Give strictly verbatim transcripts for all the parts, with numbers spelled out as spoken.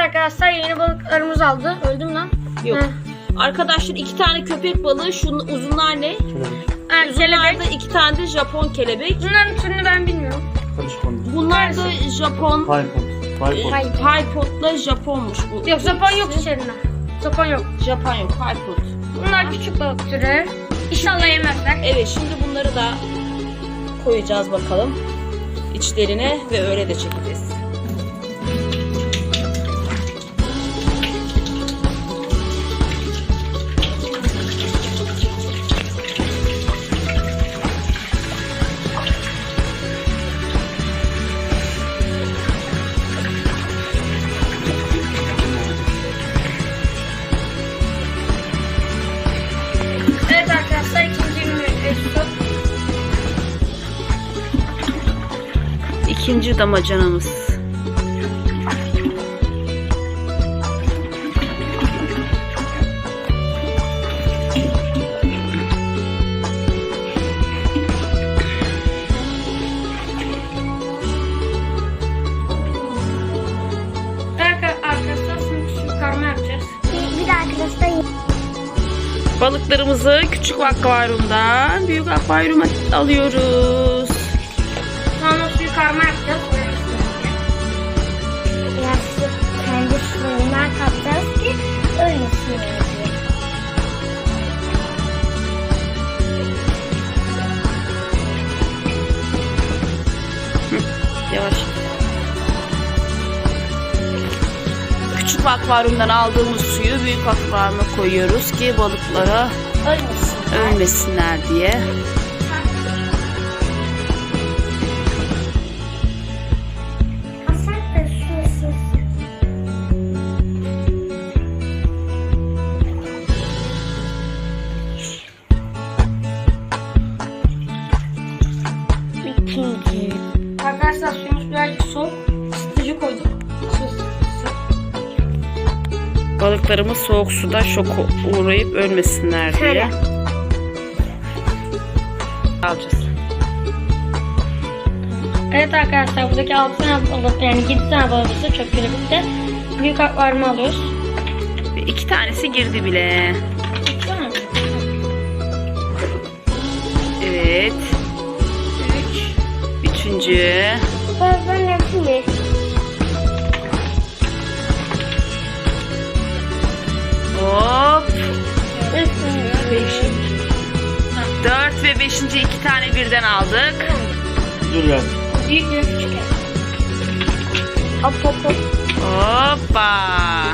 arkadaşlar, yeni balıklarımız aldı. Öldüm lan. Yok. Heh. Arkadaşlar iki tane köpek balığı. Şunun uzunlar ne? Ha, Uzunlar da kelebek. iki tane de Japon kelebek. Bunların türünü ben bilmiyorum. Bunlar da Japon. Hayır. Paypot'la Japonmuş bu. Yok, Japon yok içerinde. Japon yok. Japon yok, Paypot. Bunlar küçük balık türü. İnşallah yemezler. Evet, şimdi bunları da koyacağız bakalım içlerine ve öyle de çekeceğiz. Evet arkadaşlar, ikinci ürünü. İkinci damacanamız. Arkadaşlar şimdi küçük karma yapacağız. Bir de arkadaşlar Balıklarımızı küçük akvaryumdan büyük akvaryuma alıyoruz. Sonra suyu karma yapacağız. biraz su kendi suyundan katacağız ki ölmesin diye. Yavaş. Küçük akvaryumdan aldığımız suyu büyük akvaryuma koyuyoruz ki balıklara Ölmesin. ölmesinler diye. Asak da susuz. İkinci. Arkadaşlar suyumuz birazcık soğuk. Isıtıcı koyduk. Su- su- Balıklarımız soğuk suda şoka uğrayıp ölmesinler diye. Şöyle. Alacağız. Evet arkadaşlar, buradaki altı tane balık, yani yedi tane balığımızı çöp kelebekte büyük akvaryuma alıyoruz. Ve iki tanesi girdi bile. Tamam mı? Evet. Üç. Üçüncü. Ben yapayım mı? Hop. Beş. Dört ve beşinci iki tane birden aldık. Dur ya. Büyük ve küçük. Hop hop hop. Hoppa.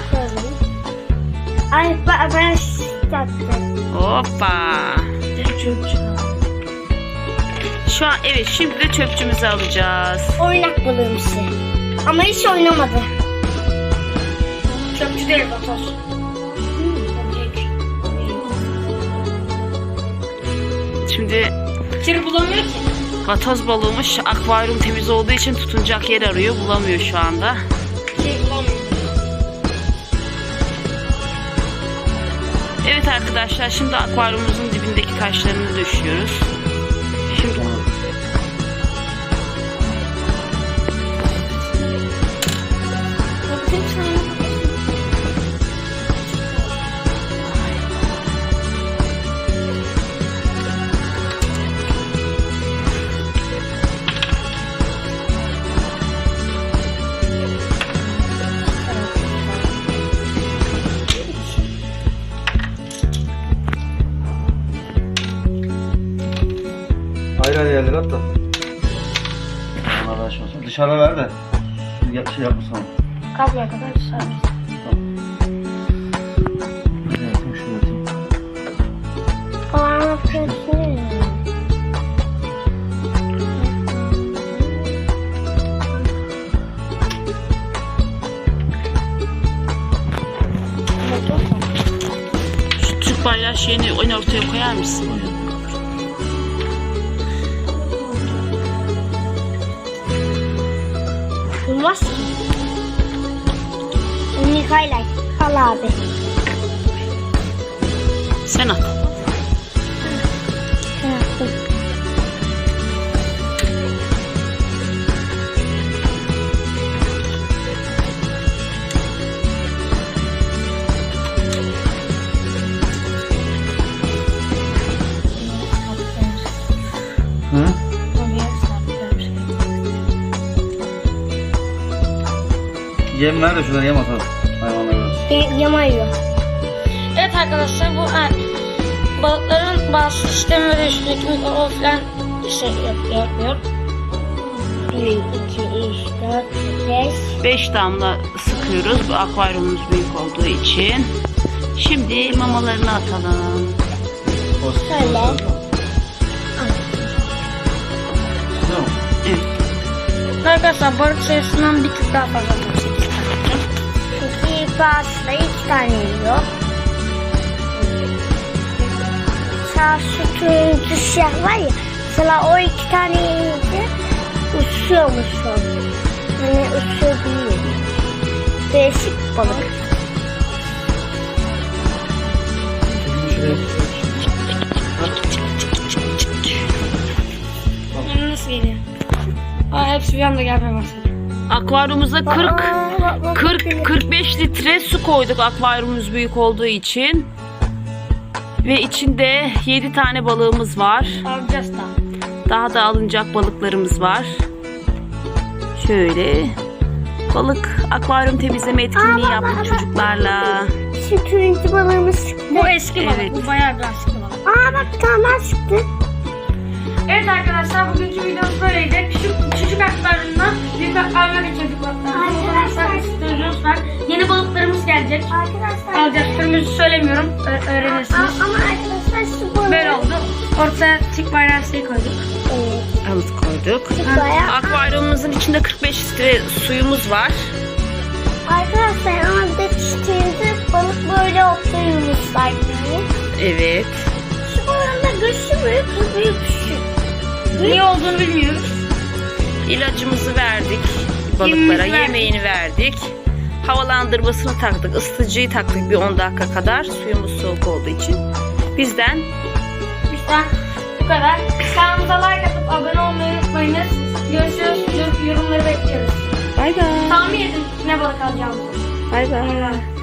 Ay ben, ben tattım. Hoppa. Şu an evet, şimdi de çöpçümüzü alacağız. Oynak balığımsı. Ama hiç oynamadı. Çöpçü değil, vatoz. Şimdi İçeri bulamıyor ki. vatoz balığımış, akvaryum temiz olduğu için tutunacak yer arıyor, bulamıyor şu anda. Şey bulamıyor. Evet arkadaşlar, şimdi akvaryumumuzun dibindeki taşlarını döşüyoruz. Şimdi Ayrı ayrı yerlere at da. Onlar açmasın. Dışarıda ver de. Ya, şey yapmasın. Kabloya kadar dışarı. Ne yapayım, şunu atayım. Kulağıma kötü. şu Türk bayrağı şeyini en ortaya koyar mısın? Olmaz ki. Mikailay. Al abi. Sen at. Ben attım. Yem ver de şunları yem atalım. Hayvanlara. Y- Yamayıyor. Evet arkadaşlar bu e, balıkların bazı sistemi ve üstündeki mikrofon falan şey yapıyor. yapıyor. bir, iki, üç, dört, beş. beş damla sıkıyoruz. Bu akvaryumumuz büyük olduğu için. Şimdi mamalarını atalım. Şöyle. Tamam. Evet. Arkadaşlar balık sayısından bir tık daha fazla atacağım. Çünkü ilk başta iki tane yiyor. Mesela şu turuncu siyah var ya. Mesela o iki tane yiyince uçuyormuş o. Yani uçuyor değil. Değişik bir balık. Yani nasıl geliyor? Aa, hepsi bir anda gelmeye başladı. Akvaryumumuza kırk Aa, bak, bak, kırk kırk beş litre su koyduk akvaryumumuz büyük olduğu için. Ve içinde yedi tane balığımız var. Alacağız da. Daha da alınacak balıklarımız var. Şöyle balık akvaryum temizleme etkinliği yaptık çocuklarla. Şu turuncu balığımız çıktı. Bu eski balık. Evet. Bu bayağı bir eski balık. Aa bak bir tane daha çıktı. Evet arkadaşlar bugünkü videomuz böyleydi. Küçük, küçük akvaryumdan büyük akvaryuma geçirdik balıklarımızı. Arkadaşlar. Arkadaşlar var. Yeni balıklarımız gelecek. Arkadaşlar. Alacağız. Türümüzü söylemiyorum. Ö- öğrenirsiniz. Aa, ama arkadaşlar şu balığı. Böyle oldu. Ortaya tik bayrağı şey koyduk. Evet. Alıp koyduk. Şu bayağı. Akvaryumumuzun içinde kırk beş litre suyumuz var. Arkadaşlar ama bir de çiçeğinde balık böyle oturuyormuşlar gibi. Evet. Şu balığın da göğsü büyük, bu büyük şu. Niye olduğunu bilmiyoruz. İlacımızı verdik balıklara, Yemimizi verdik. yemeğini verdik. Havalandırmasını taktık, ısıtıcıyı taktık bir on dakika kadar. Suyumuz soğuk olduğu için. Bizden Bizden bu kadar. Kanalımıza like atıp abone olmayı unutmayınız. Görüşürüz. Yorumları bekliyoruz. bay bay. Tahmin edin ne balık alacağımızı. Bay bay.